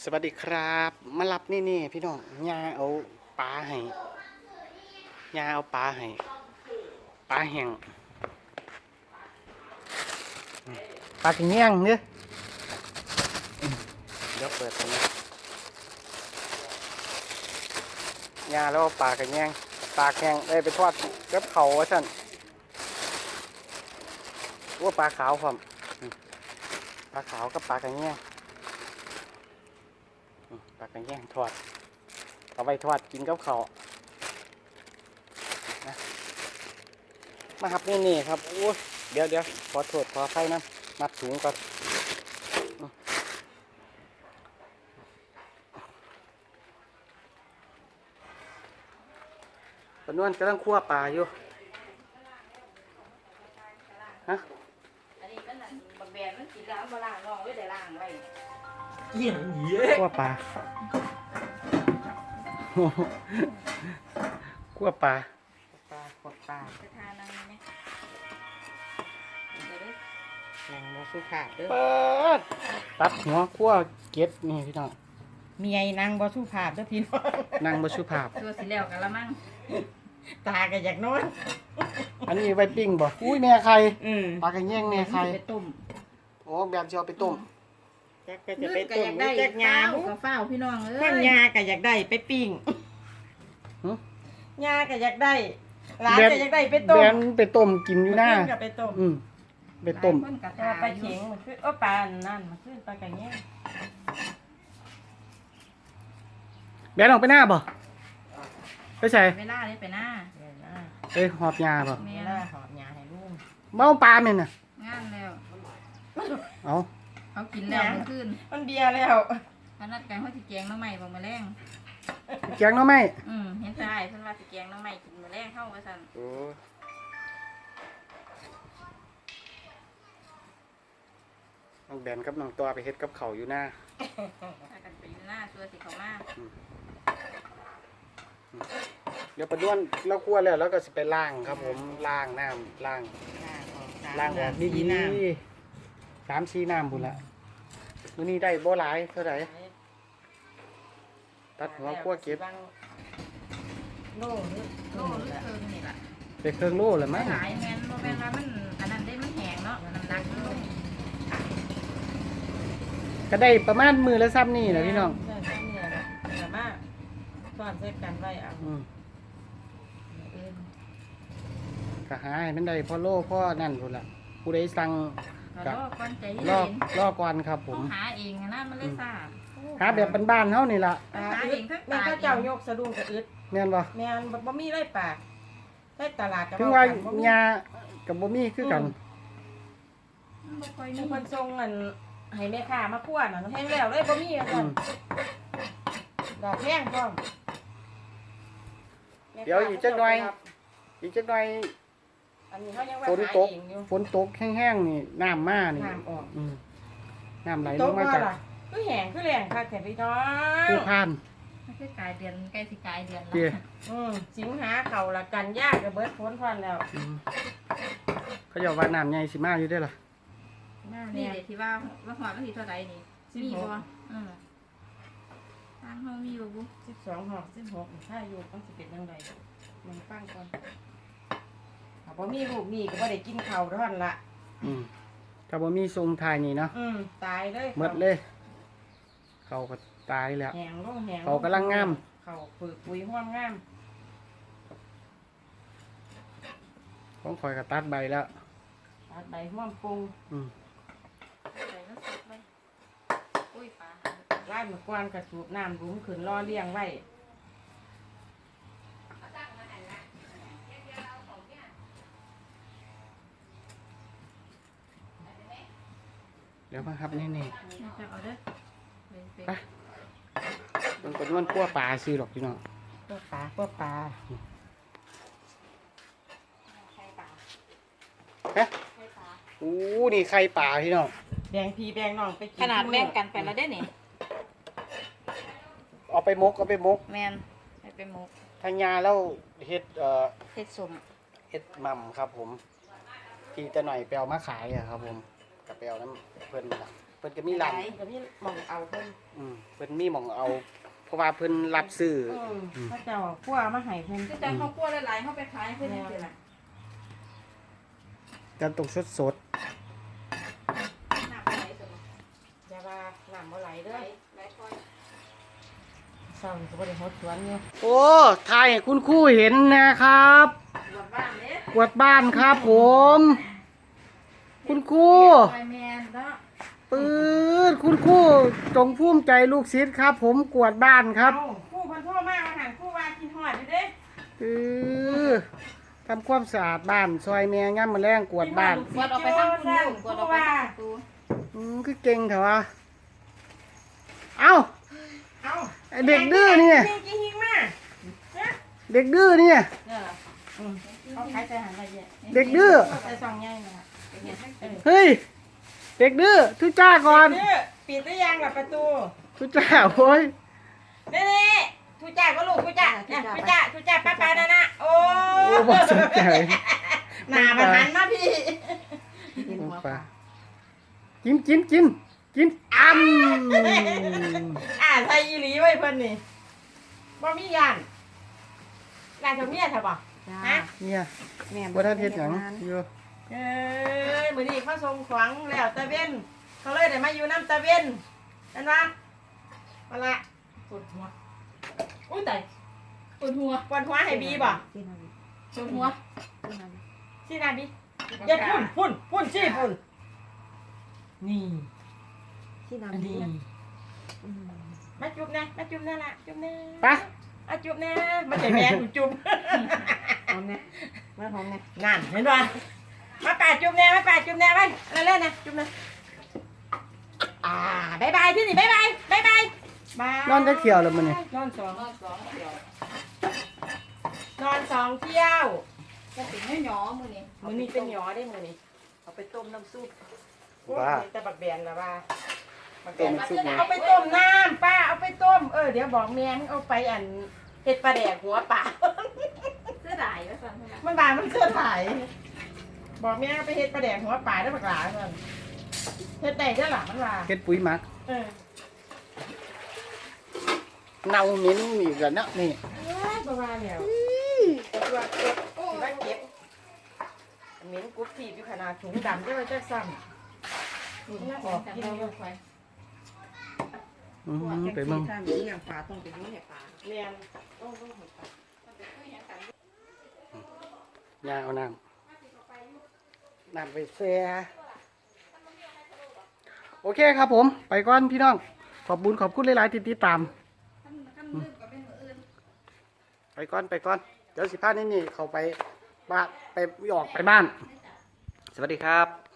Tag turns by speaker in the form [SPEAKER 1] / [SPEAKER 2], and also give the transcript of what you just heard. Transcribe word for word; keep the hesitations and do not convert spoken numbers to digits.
[SPEAKER 1] สวัสดีครับมารับนี่นี่พี่น้องยาเอาปลาให้ยาเอาปลาให้ปลาแห้งปลากระเงี้ยงเนี่ยเดี๋ยวเปิดตรงนี้ยาแล้วเอาปลากระเงี้ยงปลาแห้งได้ไปทอดกับเขาว่าสั่นว่าปลาขาวความปลาขาวกับปลากระเงี้ยงปลากระแยงทอดเอาไปทอดกินกับข้าวนะมาครับนี่นี่ครับโอ้เดี๋ยวเดี๋ยวขอโทษขออภัยนะมัดสูงก่อนปนวนกำลังคั่วปลาอยู่ฮะ
[SPEAKER 2] อันนี้มันบักแบนมันกินแล้วมาล้างน้องไว้แต่ล้างไว้
[SPEAKER 3] เกี่ยงเหี้ย
[SPEAKER 1] คั่วปลาคั่วปลา
[SPEAKER 3] ปลาขดปลา
[SPEAKER 2] จะทานอะไรเนี่ยเดี๋ยวเด้อ
[SPEAKER 3] แมงโมสุขาเด้อ
[SPEAKER 1] เปิดตัดหัวคั่วเก็ดนี่พี่น้อง
[SPEAKER 3] เมียนางบ่สุภาพเด้อพี่น้อง
[SPEAKER 1] นั่งบสุภาพ
[SPEAKER 2] ตัวสีแล้วกันละมั่ง
[SPEAKER 3] ตาก็อยากนอน
[SPEAKER 1] อันนี้ไว้ปิ้งบ่อุ้ยแม่ไข่
[SPEAKER 3] อืม
[SPEAKER 1] ปลากระแยงแม่ไข่
[SPEAKER 3] ไปต้ม
[SPEAKER 1] โอ้แบบจะเอาไปต้ม
[SPEAKER 3] จักก็จะไป
[SPEAKER 2] ก็
[SPEAKER 3] ต้
[SPEAKER 2] อ
[SPEAKER 3] ม
[SPEAKER 2] ยากได้
[SPEAKER 3] จักยา
[SPEAKER 2] เฝ้า
[SPEAKER 3] บุ
[SPEAKER 2] กับเฝ้าพี่น้องเอ้
[SPEAKER 3] ข้าง
[SPEAKER 2] ย
[SPEAKER 3] ยาก็อยากได้ไปปิ้ง
[SPEAKER 1] หึ
[SPEAKER 3] ยาก็อยากได้หลานก็อยากได้ไปต้
[SPEAKER 1] แบ
[SPEAKER 3] ม
[SPEAKER 1] นไปต้มกินอยู่หน้า
[SPEAKER 3] ก็ไปต้ม
[SPEAKER 1] อืมไปต้ม
[SPEAKER 2] หลายคนกับ
[SPEAKER 3] แต่ว่าปลาเข็งมันคือโอ้ปลานั่นมันคือปลากระเงี้ย
[SPEAKER 1] แบนออกไปหน้าบ่ไปใส่
[SPEAKER 2] เวลาได้ไปหน้า
[SPEAKER 3] เดี๋ยวนะ
[SPEAKER 1] ไปหอบยาบ่
[SPEAKER 3] เวลาหอบยาให้ลูก
[SPEAKER 1] เมาปลาเม่นน่ะ
[SPEAKER 2] งานแล้ว
[SPEAKER 1] เอา
[SPEAKER 2] เขากินแล้วเมื่อคืน
[SPEAKER 3] มันเบียร์แล้ว
[SPEAKER 2] พนัดกันเขาสิแกงน้ำใหม่บอกมาแรง
[SPEAKER 1] แกงหน่อไม้
[SPEAKER 2] อืมเห็นใจเพิ่นว่าสิแกงน้ำใหม่กินมาแรงเข้าว่าซั่น
[SPEAKER 1] โอ้น้องแบนกับน้องตัวไปเฮ็ดกับเขาวอยู่หน้า
[SPEAKER 2] พากันไปอยู่หน้าตัวสิเขามา
[SPEAKER 1] เดี๋ยวประด้วนเราคั่วแล้วแล้วก็สิไปล้างครับผมล้างน้ำล้างล้างออกดีๆสามชีน้ำพุ่นละมื้อนี้ได้บ่หลายเท่าไหร่ตัดหัวคั่วเก็บ
[SPEAKER 3] โล่หรือ
[SPEAKER 2] โลหรือเคิงนี่ล่ะ
[SPEAKER 1] ไปเครื่องโลแล้วมั้ง
[SPEAKER 2] หลายแม่นบ่แม่นว่ามันอันนั้นได้มันแห้งเนาะน้ำหนักมันลง
[SPEAKER 1] ก็ได้ประมาณมือละซ้ำนี่แหละพี่น้อง
[SPEAKER 3] ใช่ใช่เนี่ยแหละแต่ว่าสอนเสร็จกันไว้เอา
[SPEAKER 1] อืม
[SPEAKER 3] เอิ้น
[SPEAKER 1] ก็หาให้มันได้พ่อโลพ่อนั่นพุ่นละผู้ใดสั่ง
[SPEAKER 2] ก็รอก่อนใจเย็
[SPEAKER 1] รอน รอก่อนครับผ
[SPEAKER 2] ต้อ
[SPEAKER 1] ม
[SPEAKER 2] งหาเองนะมันเลยซ่า
[SPEAKER 1] หาแบบบ้านๆเฮานี่ล่ะ
[SPEAKER 3] ปลา
[SPEAKER 2] หา
[SPEAKER 3] อึ
[SPEAKER 2] เอ
[SPEAKER 3] ด
[SPEAKER 2] งทั้ง
[SPEAKER 3] แม่
[SPEAKER 2] ปลา
[SPEAKER 3] ข้าเจ้ายกสะดุ้งกับอึด
[SPEAKER 1] แม่นบ่
[SPEAKER 3] แม่นบ่บ่มีไรปากได้ตลาดกับ
[SPEAKER 1] ถึงว่า
[SPEAKER 3] บ่มี
[SPEAKER 1] ยากับบ่มีคือกัน
[SPEAKER 2] มันบ่ค่อย
[SPEAKER 3] มี
[SPEAKER 2] มี
[SPEAKER 3] คนส่งอันให้แม่ค้ามาคั่วน่ะแห้งแล้วเลยบ่มีว่า
[SPEAKER 1] อื
[SPEAKER 3] ซั่น
[SPEAKER 1] ม
[SPEAKER 3] ดอกแห้งพร้อม
[SPEAKER 1] เดี๋ยวอีกจักหน่อย อีกจักหน่อย
[SPEAKER 3] อันนี้เขายังว่า
[SPEAKER 1] ฝน
[SPEAKER 3] หา
[SPEAKER 1] ตก
[SPEAKER 3] เองอยู่
[SPEAKER 1] ฝนตกแห้งๆนี่น้ำมานี่
[SPEAKER 3] น้ำออก
[SPEAKER 1] อืมน้ำไหล
[SPEAKER 3] ต
[SPEAKER 1] ล
[SPEAKER 3] ก
[SPEAKER 1] งมา
[SPEAKER 3] บ่
[SPEAKER 1] จาก
[SPEAKER 3] ล่ะคือแห้งคือแรงคักแท้พี่น้อง
[SPEAKER 1] ภูพาน
[SPEAKER 2] มันคือกลายเดือนใกล้สิกลายเดือนแล้
[SPEAKER 1] เตี้ยว
[SPEAKER 3] อืมสิงหาเข้าละกันยากก็เบิดฝนพรแล้ว
[SPEAKER 1] อืมเขาจะว่าน้ำใหญ่สิมาอยู่ได้อล่ะ
[SPEAKER 2] นี่เดี๋ยวที่ว่าว่าหอดมันสิเท่าใดนี่มีบ่อืมทางเฮามีอยู่บ่
[SPEAKER 3] สิบสองหอกสิบหกถ้าอยู่ต้องสิเป็นจังไดมันฟังก่อนถ้าบ่มีลูกมีก็บ่ได้กินข้าวเท่านั้นล่ะ
[SPEAKER 1] อืมถ้าบ่มีทรงทายนี่เนาะ
[SPEAKER 3] อืมตายเลย
[SPEAKER 1] หมดเลย เขาก็ตายแล้ว
[SPEAKER 3] แหงลงแหง
[SPEAKER 1] เขากำลังงาม
[SPEAKER 3] เขาฝึกปุ๋ยห้วมงาม
[SPEAKER 1] ของข่อยก็ตัดใบแล้ว
[SPEAKER 3] ตัดใบห้วมปรุง
[SPEAKER 1] อืม
[SPEAKER 2] ใส่น้ำซุปไว้อุ้ยปลา
[SPEAKER 3] ไล่มากวนกระสูบน้ำรุ้มขึ้นรอเลี้ยงไว้
[SPEAKER 1] เดี๋ยวมาครับนี่นี่
[SPEAKER 2] นี่จะเอาเด้อเป็น
[SPEAKER 1] ไปมันก็นวลคั่วปลาซื้อหรอกพี่น้อง
[SPEAKER 3] พวกปลาพวกปลา
[SPEAKER 2] ไข่ปลา
[SPEAKER 1] ฮะ
[SPEAKER 2] ไข่ปลา
[SPEAKER 1] อู้นี่ไข่ปลาพี่น้อง
[SPEAKER 3] แบ่งพี่แบ่งน้องไปกิน
[SPEAKER 2] ขนาดแม่งกันไปแล้วเด้อนี่
[SPEAKER 1] เอาไปมกเอาไปมก
[SPEAKER 2] แม่นไปเป็นหมก
[SPEAKER 1] ทางยาแล้วเฮ็ดเอ่อ
[SPEAKER 2] เฮ็ดสม
[SPEAKER 1] เฮ็ดหม่ำครับผมที่จะหน่อยไปเอามาขายอะครับผมกับไปเอาน้ำเพื่อนมาพิ่นก็มีร้าน
[SPEAKER 3] ก็มีหมองเอาเพิ่น
[SPEAKER 1] อืมเพิ่นมีหม่องเอา เพราะว่าเพิ่นรับซื้อ
[SPEAKER 3] เออพระเจ้าคั่วมาให้เพิ่น
[SPEAKER 2] คือจังเขาคั่วหลายๆเขาไปขายเพิ่นจังซี่ล่ะ
[SPEAKER 1] กันตกสดสด
[SPEAKER 2] น้ำไหลสม
[SPEAKER 3] อย่าว่าน้ำบ่ไหลเด้
[SPEAKER 2] ไหล
[SPEAKER 3] อ
[SPEAKER 2] ไหลค่อย
[SPEAKER 3] เศร้าก็บ่ได้ฮดสวนอยู่
[SPEAKER 1] ๆโอ้ถ่ายให้คุณครูเห็นนะครับ
[SPEAKER 2] หวดบ้านเด้
[SPEAKER 1] กวาดบ้านครับผม คุณครู
[SPEAKER 2] ไฟแมนเนาะ
[SPEAKER 1] ปื๊ดคุณครูจงภูมิใจลูกศิษย์ครับ ผมกวาดบ้านครับ
[SPEAKER 3] เอ้าครู่เพิ่นโทรมาว่าหั่นครู่ว่ากินฮอดอยู่เด้
[SPEAKER 1] เออทำความสะอาดบ้านซอยแม่ย่ำมาแรงกวาดบ้าน
[SPEAKER 2] กวดออกไปทางคุณลูกกวดออกไปทางประตู
[SPEAKER 1] อืมคือเก่งเถอะวะเอ้า
[SPEAKER 3] เอ้า
[SPEAKER 1] ไอ้เด็กดื้อเนี่ย
[SPEAKER 3] กินกินหิงมาฮะ
[SPEAKER 1] เด็กดื้อเนี่ย
[SPEAKER 3] เนี่ยเหรออืมเขาขายใจหันละเอียด
[SPEAKER 1] เด็กดื้อ
[SPEAKER 3] ใส่ซองใหญ่น่ะเออ
[SPEAKER 1] เฮ้ย เด็กดื้อทุจ้าก่อน
[SPEAKER 3] เด้อปิดหรือยังล่ะประตู
[SPEAKER 1] ทุจ้าโอ้ย
[SPEAKER 3] นี่ๆทุจ่าก็ลูกทุจ่าเนี่ยทุจ่าทุจ่าป้าป้านั่นน่ะโอ้
[SPEAKER 1] โอ้บ่สนใจ
[SPEAKER 3] หน้ามันหันมาพี่
[SPEAKER 1] ปลากินกินกินกินอ้ำ
[SPEAKER 3] อ่าใส่อีหลีไว้เพิ่นนี่บ่มียานลาเจ้าเมียใช่ป่ะฮะ
[SPEAKER 1] เนี่ย
[SPEAKER 3] แม่
[SPEAKER 1] ว่าท่านเฮ็ดหยังอยู่
[SPEAKER 3] เอ้ยมื้อนี้เขาส่งของแล้วตะเว้นเขาเลยได้มาอยู่น้ำตะเว้นเห็นปะมาละ
[SPEAKER 2] ปวดหัวอุ้ยตายปวดหัว
[SPEAKER 3] ปวดหัวให้บีบ่
[SPEAKER 2] ปวดหัว
[SPEAKER 3] สินาบีอย่าพุ่นพุ่นพุ่นสิพุ่นนี่
[SPEAKER 4] ที่
[SPEAKER 3] อัน
[SPEAKER 4] น้ำดี
[SPEAKER 3] นี้มาจุ๊บนะมาจุ๊บนั่นล่ะจุ๊บนะ
[SPEAKER 1] ไป
[SPEAKER 3] มาจุ๊บนะมาใจแม่กูจุ๊บ
[SPEAKER 4] หอมเนี่ยมาหอมเนี่ย
[SPEAKER 3] นั่นเห็นป่ะมาป่าจุ๊บแน่มาป่าจุ๊บแน่ไปอะไรเล่นนะจุ๊บนะอ่าบายบายที่นี่บายบายบายบายบาย
[SPEAKER 1] นอนจะเขียวแล้วมันนี่
[SPEAKER 3] นอนสอง
[SPEAKER 2] นอนสองเดียวน
[SPEAKER 3] อนสองเที่ยว
[SPEAKER 2] จะเป็นไม่หยอมือนี่
[SPEAKER 3] มือนี้เป็นหยอได้มือนี้
[SPEAKER 4] เอาไปต้มน้ำซุป
[SPEAKER 1] ว่า
[SPEAKER 3] แต่บักแบนละว่าบักแบ
[SPEAKER 1] ต้
[SPEAKER 3] น
[SPEAKER 1] มซุปหมู
[SPEAKER 3] เอาไปต้มน้ำป้าเอาไปต้มเออเดี๋ยวบอกแม่มึงเอาไปอันเห็ดปลาแดกหัวป่า
[SPEAKER 2] เสื้อดายแล้วสั่นเท่านั้น
[SPEAKER 3] มันบานมันเสื้อถ่ายบอกแม่เอาไปเห็ดปลาแดกหัวป่าได้บักหลาเงินเห็ดแดกได้หล่ะมันว่า
[SPEAKER 1] เฮ็ดปุ๋ยหมัก
[SPEAKER 3] เออ
[SPEAKER 1] เน่าเหม็นอีกแล้วเนาะนี่
[SPEAKER 3] เอ้ยประมาณเนี่ยตัวเก็บโอ้ยเก็บเหม็นกุ๊บทีบอยู่ขนาดถุงดำจะมาจะซ้ำนี่น่าออกกินอยู่
[SPEAKER 2] ไฟ
[SPEAKER 1] อืมไปเบิ่ง
[SPEAKER 4] ถ้ามีอย่างปลาต้องไปยุ่งเนี่ยปลา
[SPEAKER 3] เรียนต้องต้องหัวปลา
[SPEAKER 1] ย่าเอาน้ำน้ำไปแช่โอเคครับผม ไปก่อนพี่น้อง ขอบบุญขอบคุณหลายๆที่ติดตาม ไปก่อนไปก่อน เดี๋ยวสิพานี่นี่เขาไปบ้านไปออกไปบ้าน สวัสดีครับ